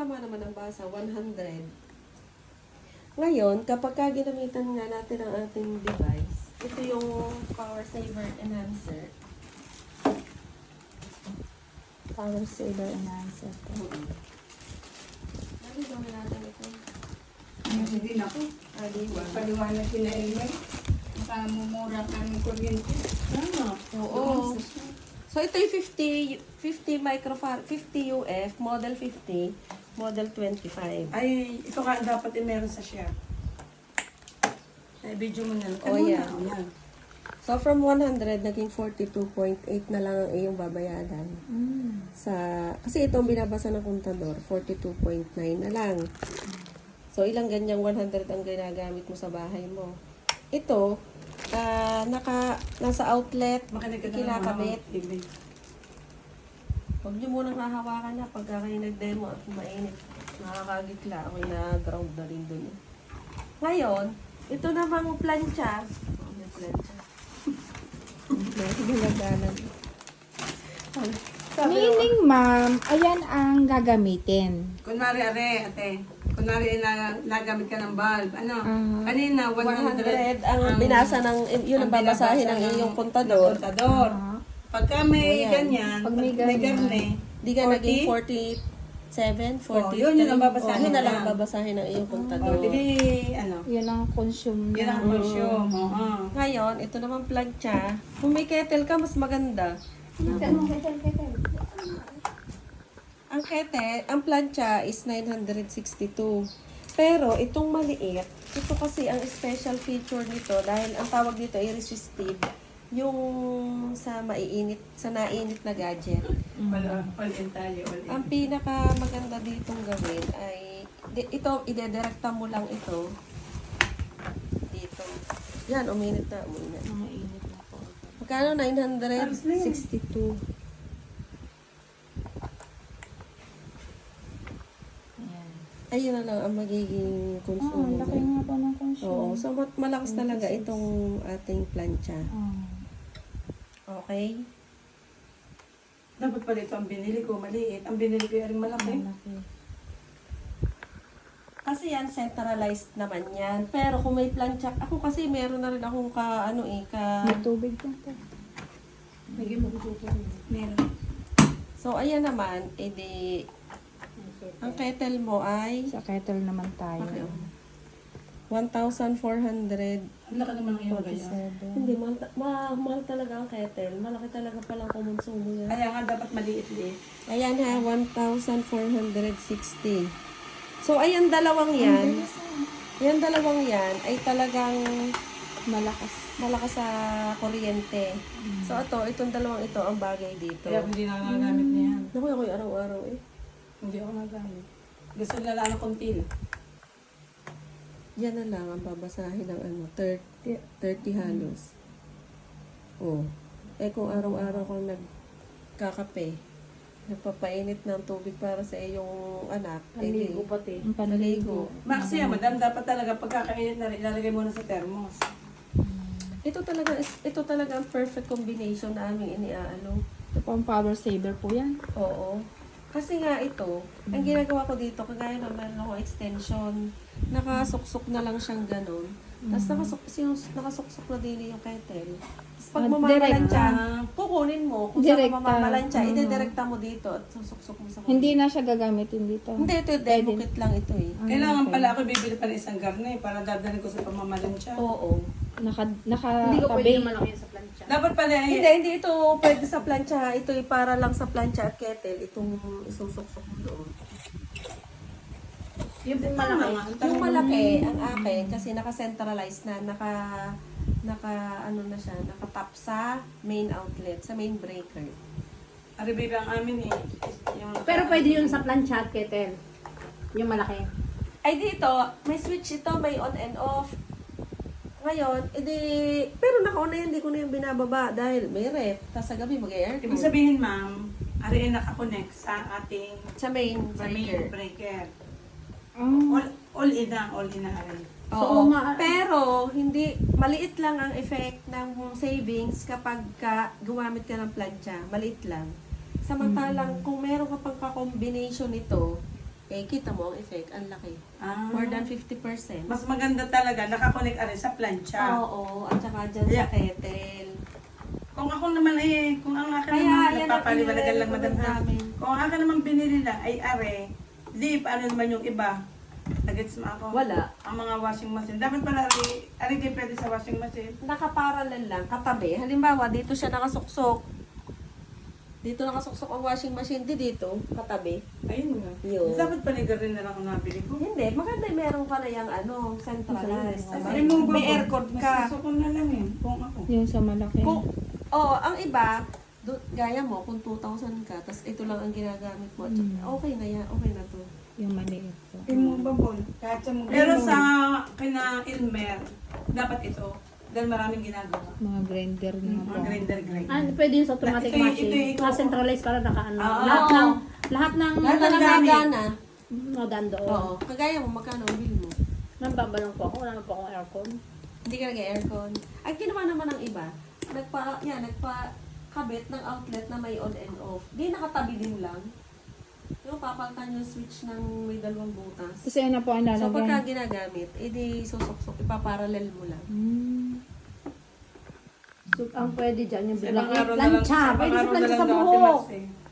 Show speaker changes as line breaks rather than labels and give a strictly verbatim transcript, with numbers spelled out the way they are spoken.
tama naman ang basa, one hundred. Ngayon, kapag ka ginamitan nga natin ang ating device, ito yung power saver enhancer.
Power saver enhancer.
Mm-hmm. Nalito na natin ito.
Hindi na po.
Ah, di ba?
Paliwanag kina Elmer. Makamumura ka ng kuryente. Tama.
Oo. So, ito yung fifty, fifty microfarad, fifty U F, model fifty, model twenty-five.
Ay, ito nga dapat yung meron sa share. Ay, video mo na.
Oh,
Ano
yeah.
na? Yan.
So, from one hundred, naging forty-two point eight na lang ang iyong babayaran.
Mm.
Sa, kasi itong binabasa ng kontador, forty-two point nine na lang. So, ilang ganyang one hundred ang ginagamit mo sa bahay mo. Ito, ah naka, nasa outlet,
Makinig ka na
kinakabit.
ng mga T V.
Huwag niyo munang hahawakan na pagka kayo nag-demo at mainit. Nakakagitla. Ako'y na-ground na rin dun. eh. Ngayon, ito namang plancha. Oh, may plancha. May ginaganan. Sabi naman,
Meaning, ma'am, ayan ang gagamitin.
Kunwari, are, ate. Kunwari, na, nagamit ka ng bulb. Ano?
Ah.
Kanina, one
one
hundred.
hundred ang binasa ng, yun ang babasahin ng
binabasa
iyong
ng
kontador.
kontador.
Ah.
Pagka may
Ayan.
ganyan,
Pag
pag
may
may
ganyan.
garne,
Di ka
forty?
naging forty-seven, forty-three.
Oh, yun, yun ang babasahin
Oh, yun na lang
lang.
ang babasahin ng iyong
oh,
kontador.
di di, ano,
Yun ang consume
yun ang
na.
consume. Oo.
Ngayon, ito naman plancha. Kung may kettle ka, mas maganda. Ang kettle, ang plancha is nine hundred sixty-two. Pero itong maliit, ito kasi ang special feature nito dahil ang tawag dito ay resistive. Yung sa maiinit, sa nainit na gadget.
All, all in tayo, all in.
Ang pinaka maganda ditong gawin ay di, ito, idedirekta mo lang ito dito. Yan, uminit na, uminit.
Mga init na po.
Magkano? nine hundred
sixty-two. Ayan.
Ayun na lang ang magiging
Ah,
consumo.
laki nga po ng consume.
Oo, so mat- malakas talaga itong ating plancha.
Ah.
Okay?
Dapat pala ito ang binili ko, maliit. Ang binili ko yung malaki.
Malaki.
Kasi yan, centralized naman yan. Pero kung may plancha, ako kasi meron na rin akong ka, ano eh, ka...
May tubig po po.
Naging magtuto. Meron.
So, ayan naman, edi, ang kettle mo ay
Sa kettle naman tayo.
Okay. one thousand four hundred
Ang laki naman ng iyong ganyan.
forty-seven.
Hindi, mahal, ta- ma- mahal talaga ang kettle. Malaki talaga palang kumonsumo yan.
Kaya nga dapat maliit-liit.
Ayan ha, one thousand four hundred sixty. So, ayan dalawang yan. Ayan dalawang yan ay talagang
Malakas.
malakas sa kuryente. So, ito, itong dalawang ito ang bagay dito.
Kaya hindi na nagamit niya yan.
Naku, ako yung araw-araw eh.
Hindi ako nagamit. Gusto nila lang ng konti lang.
Yan na lang ang babasahin ng ano, thirty, thirty halos. Oh. Eh kung araw-araw kang nagkakape, nagpapainit ng tubig para sa iyong anak,
Naligo pati.
Ang panligo.
Maxi, yan, madam, dapat talaga pagkakainit na rin, ilalagay mo na sa thermos.
ito talaga is- ito talaga ang perfect combination na aming iniaano.
Ito po ang power saver po yan.
Oo. Kasi nga ito, ang ginagawa ko dito, kagaya na meron akong extension, nakasuksok na lang siyang ganun. Tapos nakasuk sinus- nakasuksok na din yung kettle. Tapos pag
Ah,
mamamalansya,
direct.
kukunin mo kung saan
Direkta.
ka mamamalansya,
Mhm.
idedirekta mo dito at susuksok mo sa kunin.
Hindi na siya gagamitin dito.
Hindi, ito demo kit lang ito eh.
Ah,
Kailangan
okay.
pala ako bibili pa ng isang garne para dadalhin ko sa pamamalansya.
Oo.
Naka, naka
Hindi ko
tabi.
pwede malaki yun sa plancha.
Dapat pala,
Hindi,
eh,
hindi ito pwede sa plancha. Ito ay para lang sa plancha at kettle. Itong isusuksok mo doon.
Yung pong malaki.
Yung malaki, ang akin, kasi naka-centralize na, naka, naka, ano na siya, naka-tap sa main outlet, sa main breaker.
aribiba ang amin eh. Yung,
Pero pwede yun sa plancha at kettle. Yung malaki.
Ay dito, may switch ito, may on and off. Ngayon, edi, pero naka-on na yan, hindi ko na yung binababa dahil may ref, tapos sa gabi mag-aircon.
Ibig sabihin, ma'am, ari ay nakakonect sa ating
Sa main
sa main
breaker.
breaker.
Ah.
All, all in na, all in na ari.
Oo,
So, ma-
pero hindi, maliit lang ang effect ng savings kapag ka, gumamit ka ng plancha. Maliit lang. Samantalang kung meron ka pang ka-combination nito, Eh, kita mo ang effect, ang laki.
Ah,
More than fifty percent.
mas maganda talaga, nakakonect ari sa plancha.
Oo, at saka dyan
Yeah.
sa kettle.
Kung ako naman eh, kung ang akin
Kaya,
naman,
yan ang
nagpapaliwanagan lang madam
inirecommend
ha.
namin.
Kung ang akin naman binili lang ay are, di, paano naman yung iba? Nagets mo ako?
Wala.
Ang mga washing machine. Dapat pala ari, ari di pwede sa washing machine.
Nakaparallel lang, katabi. Halimbawa, dito siya nakasuksok. Dito nakasuksok ang washing machine, di dito, katabi.
Ayun nga.
Yun.
Dapat panigar rin na lang ang nabili ko.
Hindi, maganda yung meron ka na yung ano, centralized.
Ay,
May,
removable.
may aircon
Mas
ka.
gusto ko na lang eh, kung ako.
Yung sa malaki.
Kung, oh, ang iba, do, gaya mo, kung two thousand ka, tas ito lang ang ginagamit mo,
Mm.
okay na yan, okay na to.
Yung maliit po.
Removable. Kahit sa mga... Pero sa kina Ilmer, dapat ito. Dahil maraming ginagawa.
Mga grinder na po.
Mga grinder grinder.
Ah, pwede yun sa automatic
Ito yung-
machine.
ito yung ikaw-
Na-centralize para naka-ano.
Oo.
lahat ng, lahat ng,
Lahat na
ng gamit.
nagagana.
mga doon.
Oo. Kagaya mo, magkano ang bill mo?
Nambabalong po ako. Wala naman po akong aircon.
Hindi ka nag-aircon. Ang ginawa naman ng iba, nagpa, yan, nagpa kabit ng outlet na may on and off. Di nakatabi din lang. Yung papalitan yung switch ng may dalawang butas.
Kasi ano po ang
So pagka
lalagay?
ginagamit, edi susuksok, ipaparallel mo lang.
Hmm.
So, ang pwede dyan, yung
Sa
biglang
ibang araw na lang,
plancha.
sa ibang
Pwede sa
araw na
plancha
lang
sa
daw, Ate
buhok.
Max, eh.